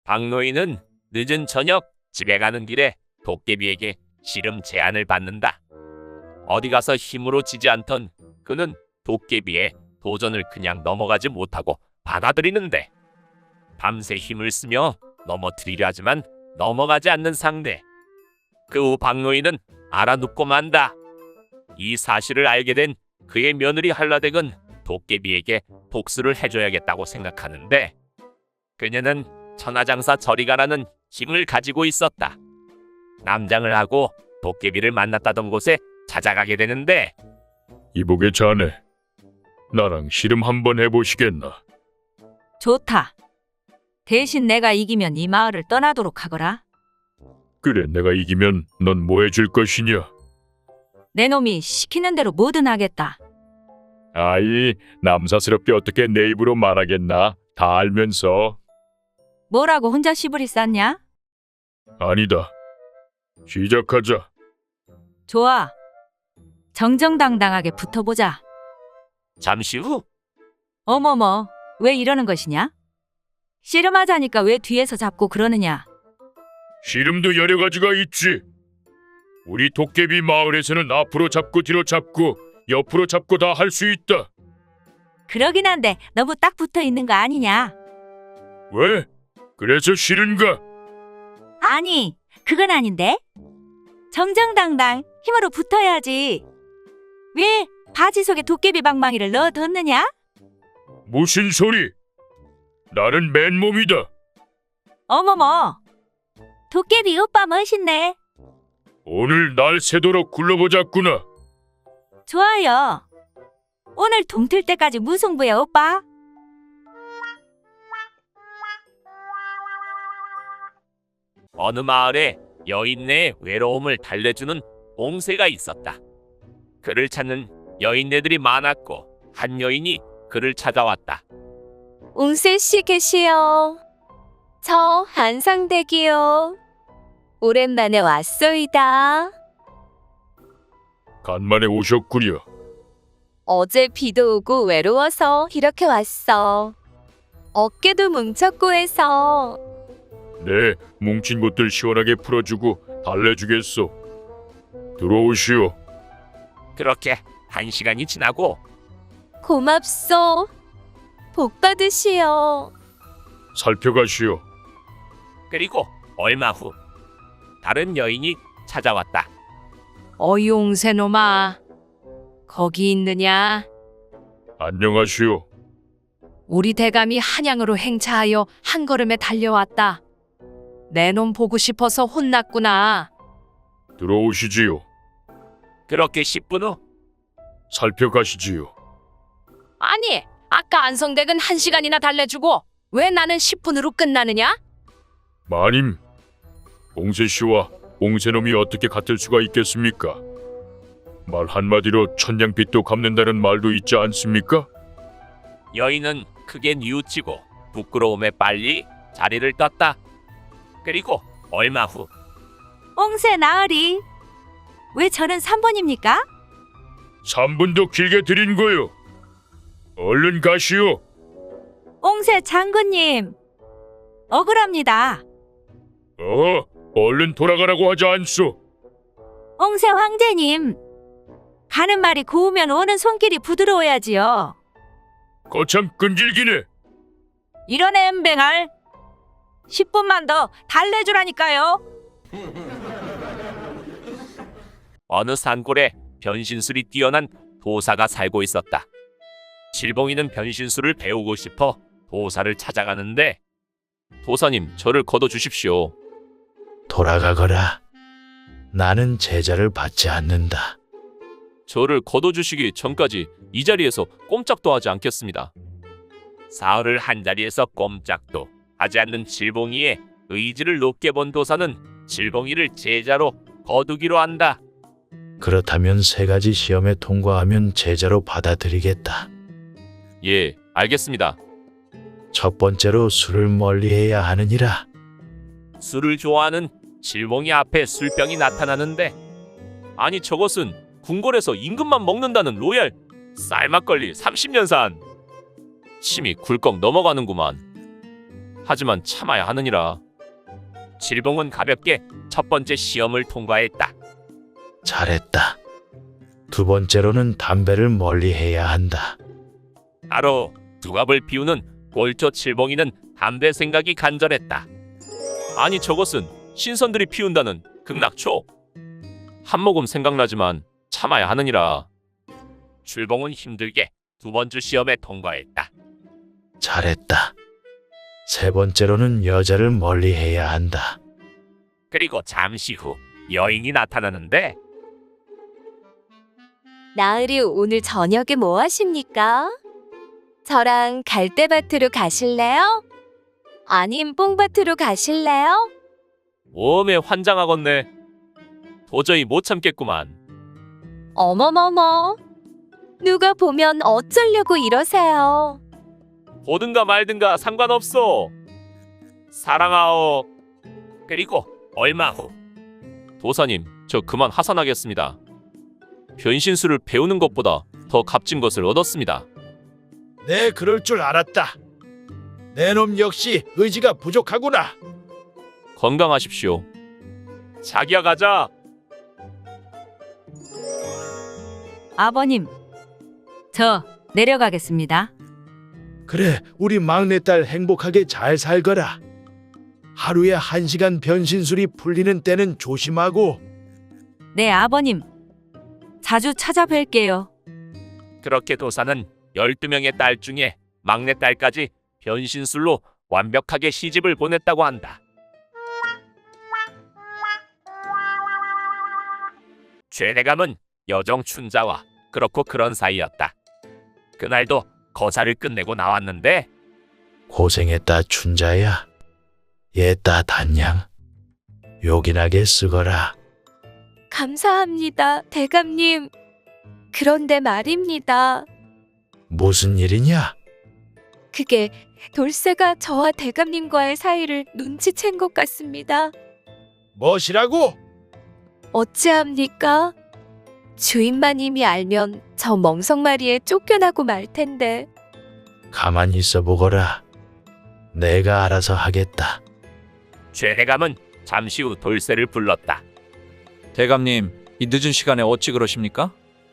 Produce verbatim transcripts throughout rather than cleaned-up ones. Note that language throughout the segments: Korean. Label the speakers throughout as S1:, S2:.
S1: 박노인은 늦은 저녁 집에 가는 길에 도깨비에게 씨름 제안을 받는다. 어디 가서 힘으로 지지 않던 그는 도깨비의 도전을 그냥 넘어가지 못하고 받아들이는데, 밤새 힘을 쓰며 넘어뜨리려 하지만 넘어가지 않는 상대. 그 후 박노인은 알아눕고 만다. 이 사실을 알게 된 그의 며느리 한라댁은 도깨비에게 복수를 해줘야겠다고 생각하는데, 그녀는 천하장사 저리가라는 힘을 가지고 있었다. 남장을 하고 도깨비를 만났다던 곳에 찾아가게 되는데,
S2: 이복의 자네, 나랑 씨름 한번 해보시겠나?
S3: 좋다. 대신 내가 이기면 이 마을을 떠나도록 하거라.
S2: 그래, 내가 이기면 넌 뭐 해줄 것이냐?
S3: 내 놈이 시키는 대로 뭐든 하겠다.
S2: 아이, 남사스럽게 어떻게 내 입으로 말하겠나? 다 알면서.
S3: 뭐라고 혼자 시부리 쌌냐?
S2: 아니다. 시작하자.
S3: 좋아. 정정당당하게 붙어보자.
S1: 잠시 후
S3: 어머머, 왜 이러는 것이냐? 씨름하자니까 왜 뒤에서 잡고 그러느냐?
S2: 씨름도 여러 가지가 있지. 우리 도깨비 마을에서는 앞으로 잡고 뒤로 잡고 옆으로 잡고 다 할 수 있다.
S3: 그러긴 한데 너무 딱 붙어 있는 거 아니냐?
S2: 왜? 그래서 싫은가?
S3: 아니, 그건 아닌데. 정정당당 힘으로 붙어야지. 왜 바지 속에 도깨비 방망이를 넣어뒀느냐?
S2: 무슨 소리? 나는 맨몸이다.
S3: 어머머, 도깨비 오빠 멋있네.
S2: 오늘 날 새도록 굴러보자꾸나.
S3: 좋아요. 오늘 동틀 때까지 무승부야, 오빠.
S1: 어느 마을에 여인네의 외로움을 달래주는 옹새가 있었다. 그를 찾는 여인네들이 많았고 한 여인이 그를 찾아왔다.
S4: 웅세씨 계시오. 저 안상댁이요. 오랜만에 왔소이다.
S2: 간만에 오셨구려.
S4: 어제 비도 오고 외로워서 이렇게 왔어. 어깨도 뭉쳤고 해서.
S2: 네, 뭉친 곳들 시원하게 풀어주고 달래주겠소. 들어오시오.
S1: 그렇게 한 시간이 지나고
S4: 고맙소. 복 받으시오.
S2: 살펴가시오.
S1: 그리고 얼마 후 다른 여인이 찾아왔다.
S3: 어이 옹새놈아, 거기 있느냐?
S2: 안녕하시오.
S3: 우리 대감이 한양으로 행차하여 한 걸음에 달려왔다. 내 놈 보고 싶어서 혼났구나.
S2: 들어오시지요.
S1: 그렇게 십 분 후
S2: 살펴가시지요.
S3: 아니, 아까 안성댁은 한 시간이나 달래주고 왜 나는 십 분으로 끝나느냐?
S2: 마님, 옹세씨와 옹세놈이 어떻게 같을 수가 있겠습니까? 말 한마디로 천냥빚도 갚는다는 말도 있지 않습니까?
S1: 여인은 크게 뉘우치고 부끄러움에 빨리 자리를 떴다. 그리고 얼마 후
S3: 옹새 나으리, 왜 저는 삼 번입니까?
S2: 삼 분도 길게 드린 거요. 얼른 가시오.
S3: 옹새 장군님, 억울합니다.
S2: 어, 얼른 돌아가라고 하지 않소.
S3: 옹새 황제님, 가는 말이 고우면 오는 손길이 부드러워야지요.
S2: 거참 끈질기네.
S3: 이런 엠뱅알 십 분만 더 달래주라니까요.
S1: 어느 산골에 변신술이 뛰어난 도사가 살고 있었다. 질봉이는 변신술을 배우고 싶어 도사를 찾아가는데, 도사님, 저를 거둬주십시오.
S5: 돌아가거라. 나는 제자를 받지 않는다.
S1: 저를 거둬주시기 전까지 이 자리에서 꼼짝도 하지 않겠습니다. 사흘을 한 자리에서 꼼짝도 하지 않는 질봉이의 의지를 높게 본 도사는 질봉이를 제자로 거두기로 한다.
S5: 그렇다면 세 가지 시험에 통과하면 제자로 받아들이겠다.
S1: 예, 알겠습니다.
S5: 첫 번째로 술을 멀리해야 하느니라.
S1: 술을 좋아하는 질봉이 앞에 술병이 나타나는데, 아니 저것은 궁궐에서 임금만 먹는다는 로얄 쌀막걸리 삼십 년 산. 침이 굴꺽 넘어가는구만. 하지만 참아야 하느니라. 칠봉은 가볍게 첫 번째 시험을 통과했다.
S5: 잘했다. 두 번째로는 담배를 멀리해야 한다.
S1: 바로 두갑을 피우는 꼴초 칠봉이는 담배 생각이 간절했다. 아니 저것은 신선들이 피운다는 극락초. 한 모금 생각나지만 참아야 하느니라. 칠봉은 힘들게 두 번째 시험에 통과했다.
S5: 잘했다. 세 번째로는 여자를 멀리해야 한다.
S1: 그리고 잠시 후 여인이 나타나는데
S4: 나으리 오늘 저녁에 뭐 하십니까? 저랑 갈대밭으로 가실래요? 아님 뽕밭으로 가실래요?
S1: 오메 환장하겠네. 도저히 못 참겠구만.
S4: 어머머머. 누가 보면 어쩌려고 이러세요.
S1: 보든가 말든가 상관없어. 사랑하오. 그리고 얼마 후 도사님, 저 그만 하산하겠습니다. 변신술을 배우는 것보다 더 값진 것을 얻었습니다.
S5: 네, 그럴 줄 알았다. 내 놈 역시 의지가 부족하구나.
S1: 건강하십시오. 자기야 가자.
S3: 아버님, 저 내려가겠습니다.
S5: 그래, 우리 막내딸 행복하게 잘 살거라. 하루에 한 시간 변신술이 풀리는 때는 조심하고.
S3: 네, 아버님. 자주 찾아뵐게요.
S1: 그렇게 도사는 열두 명의 딸 중에 막내딸까지 변신술로 완벽하게 시집을 보냈다고 한다. 최대감은 여정 춘자와 그렇고 그런 사이였다. 그날도 거사를 끝내고 나왔는데
S5: 고생했다, 춘자야. 얘따 단양. 요긴하게 쓰거라.
S4: 감사합니다, 대감님. 그런데 말입니다.
S5: 무슨 일이냐?
S4: 그게 돌쇠가 저와 대감님과의 사이를 눈치챈 것 같습니다.
S5: 뭐시라고?
S4: 어찌합니까? 주인마님이 알면 저 멍석마리에 쫓겨나고 말 텐데.
S5: 가만히 있어 보거라. 내가 알아서 하겠다.
S1: 최대감은 잠시 후 돌쇠를 불렀다.
S6: 대감님, 이 늦은 시간에 어찌 그러십니까?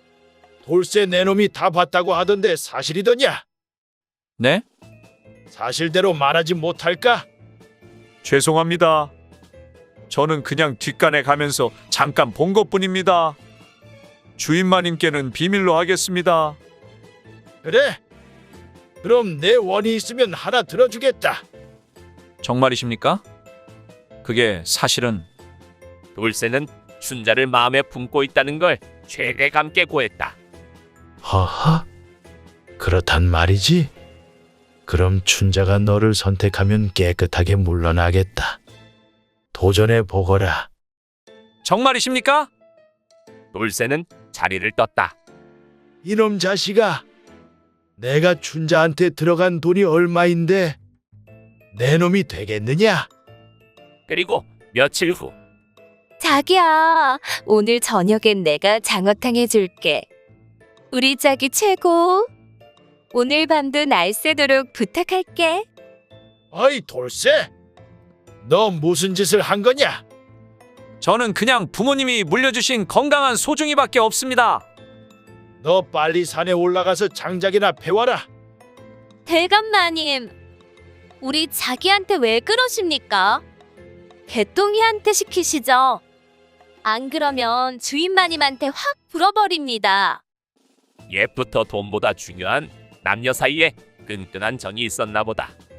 S5: 돌쇠 내 놈이 다 봤다고 하던데 사실이더냐?
S6: 네?
S5: 사실대로 말하지 못할까?
S6: 죄송합니다. 저는 그냥 뒷간에 가면서 잠깐 본 것뿐입니다. 주인마님께는 비밀로 하겠습니다.
S5: 그래? 그럼 내 원이 있으면 하나 들어주겠다.
S6: 정말이십니까? 그게 사실은
S1: 돌쇠는 춘자를 마음에 품고 있다는 걸 최대감께 고했다.
S5: 허허? 그렇단 말이지? 그럼 춘자가 너를 선택하면 깨끗하게 물러나겠다. 도전해 보거라.
S6: 정말이십니까?
S1: 돌쇠는 자리를 떴다.
S5: 이놈 자식아, 내가 춘자한테 들어간 돈이 얼마인데 내 놈이 되겠느냐?
S1: 그리고 며칠 후
S4: 자기야, 오늘 저녁엔 내가 장어탕 해줄게. 우리 짝이 최고. 오늘 밤도 날 새도록 부탁할게.
S5: 어이 돌쇠, 너 무슨 짓을 한 거냐?
S6: 저는 그냥 부모님이 물려주신 건강한 소중이밖에 없습니다.
S5: 너 빨리 산에 올라가서 장작이나 패와라.
S4: 대감마님, 우리 자기한테 왜 그러십니까? 개똥이한테 시키시죠. 안 그러면 주인마님한테 확 불어버립니다.
S1: 옛부터 돈보다 중요한 남녀 사이에 끈끈한 정이 있었나 보다.